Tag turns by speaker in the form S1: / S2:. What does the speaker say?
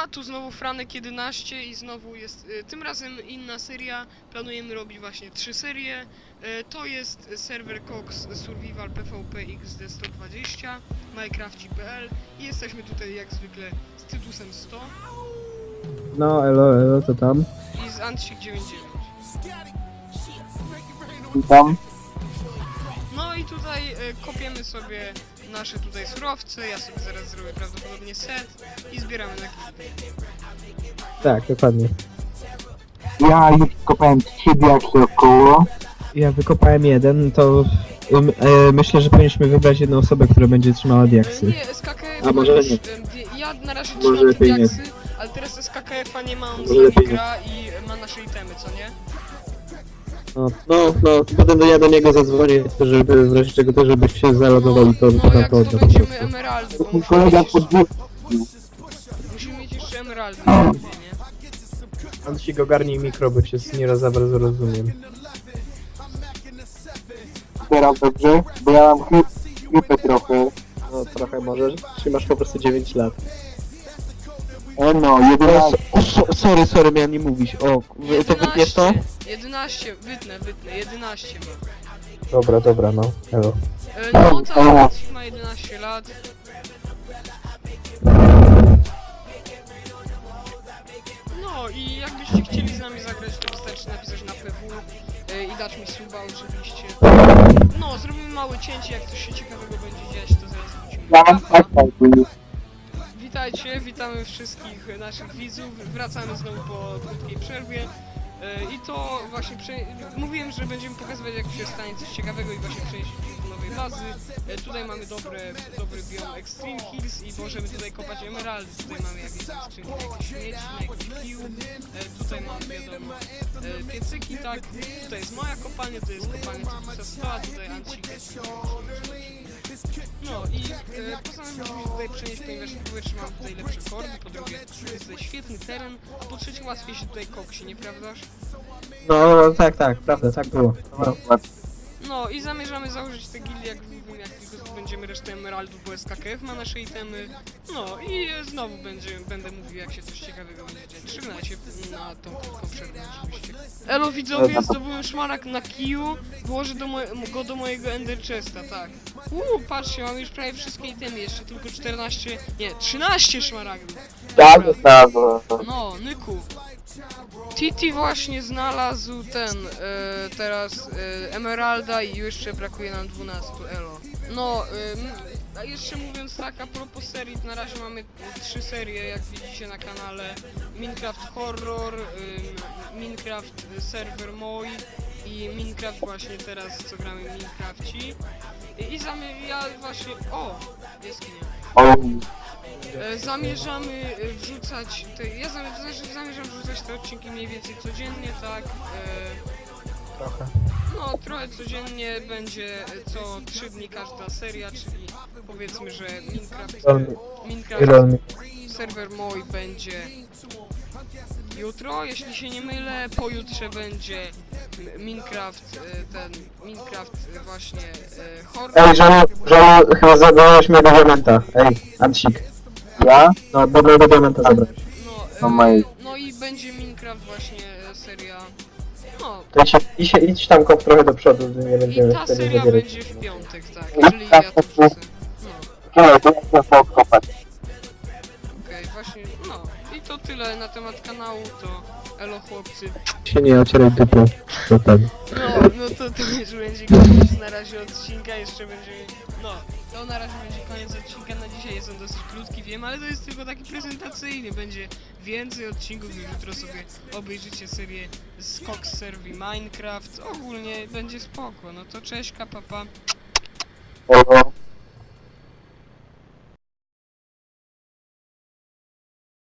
S1: A tu znowu Franek 11 i znowu jest tym razem inna seria. Planujemy robić właśnie 3 serie. To jest serwer Cox Survival PvP XD 120 Minecraft.pl i jesteśmy tutaj jak zwykle z Tytusem 100
S2: No, elo, to tam.
S1: i z Antsik 99.
S3: Witam.
S1: No i tutaj kopiemy sobie nasze tutaj surowce. Ja sobie zaraz zrobię prawdopodobnie set i zbieramy na gildię.
S2: Tak, dokładnie.
S3: Ja już kopałem 3 diaksy około.
S2: Ja wykopałem jeden, to myślę, że powinniśmy wybrać jedną osobę, która będzie trzymała diaksy.
S1: Nie, SKKF
S2: A może
S1: już,
S2: nie.
S1: ja na razie
S2: Może
S1: trzymam te
S2: lepiej nie.
S1: diaksy, ale teraz SKKF-a nie ma, on
S2: Może
S1: z nami
S2: lepiej nie.
S1: gra i ma nasze itemy, co nie?
S2: No, potem ja do niego zadzwonię, żeby w razie czego też, żebyś się zalogowali, to
S1: No jak
S2: to
S1: zdobędziemy emeraldy, bo
S3: Mój kolega
S1: musimy mieć jeszcze emeraldy na gildię, nie?
S2: Antsik ogarnij mikro, bo cię nie za bardzo rozumiem.
S3: teraz dobrze, bo ja mam chrypę trochę.
S2: No trochę możesz, czy masz po prostu 9 lat.
S3: No, 11.
S2: Sorry, miałem nie mówić. O, to wytniesz to?
S1: 11, wytnę, 11 ma.
S2: Dobra, no, elo.
S1: No tak, ma 11 lat. No i jakbyście chcieli z nami zagrać, to wystarczy napisać na PW i dać mi suba oczywiście. No, zrobimy małe cięcie, jak coś się ciekawego będzie dziać, to zaraz wrócimy.
S3: Ja mam tak,
S1: Witajcie, witamy wszystkich naszych widzów. Wracamy znowu po krótkiej przerwie. I to właśnie mówiłem, że będziemy pokazywać, jak się stanie coś ciekawego i właśnie przejść do nowej bazy. Tutaj mamy dobry biom Extreme Hills i możemy tutaj kopać emeraldy. Tutaj mamy jakieś tam skrzynki, jakieś śmieci, jakiś pił. Tutaj mamy wiadomo piecyki, tak. Tutaj jest moja kopalnia, to jest kopalnia Tytusa 100, a tutaj Antsik. No i poza tym musimy się tutaj przenieść, ponieważ po pierwsze mam tutaj lepsze kordy, po drugie jest tutaj świetny teren, a po trzecie łatwiej się tutaj koksi, nieprawdaż?
S2: No, tak, prawda, tak było. No.
S1: No i zamierzamy założyć te gildie, jak tylko będziemy resztę emeraldów, bo SKKF ma nasze itemy. No i znowu będę mówił, jak się coś ciekawego będzie dziać. Trzymajcie na tą krótką przerwę oczywiście. Elo widzowie, zdobyłem szmarak na kiju, włożę go do mojego ender chesta, tak. Patrzcie, mam już prawie wszystkie itemy, jeszcze tylko 13 szmaragdów.
S3: tak,
S1: Dobra.
S3: tak.
S1: No, Nyku. Titi właśnie znalazł teraz emeralda i jeszcze brakuje nam 12, elo. No, a jeszcze mówiąc tak, a propos serii, na razie mamy 3 serie, jak widzicie na kanale. Minecraft Horror, Minecraft Server Moi i Minecraft właśnie teraz, co gramy w Minecrafci. Ja właśnie... O! Jaskinia. Zamierzamy wrzucać zamierzam wrzucać te odcinki mniej więcej codziennie, tak?
S2: Trochę.
S1: No, trochę codziennie będzie co 3 dni każda seria, czyli powiedzmy, że Minecraft serwer mój będzie jutro, jeśli się nie mylę, pojutrze będzie Minecraft, właśnie horror.
S2: Ej, chyba zabrałeś mnie do diamenta. Ej, Antsik.
S3: Ja?
S2: No, do diamenta zabrałeś.
S1: No i będzie Minecraft właśnie seria. No.
S2: To idź tam kop trochę do przodu, nie
S1: I
S2: będziemy
S1: ta
S2: wtedy
S1: seria
S2: zabierać.
S1: będzie w piątek, tak, czyli ja to wrzucę. No,
S3: Nie, to ja chcę odkopać.
S1: okej, właśnie, no. I to tyle na temat kanału, to elo chłopcy.
S2: Się nie ocieraj dupą. To ten.
S1: No to już będzie koniec na razie odcinka, jeszcze będzie... No, to na razie będzie koniec odcinka, na dzisiaj jest on dosyć krótki, wiem, ale to jest tylko taki prezentacyjny, będzie więcej odcinków, jutro sobie obejrzycie serię z Cox Server Minecraft, ogólnie będzie spoko, no to cześć, papa.
S3: Elo.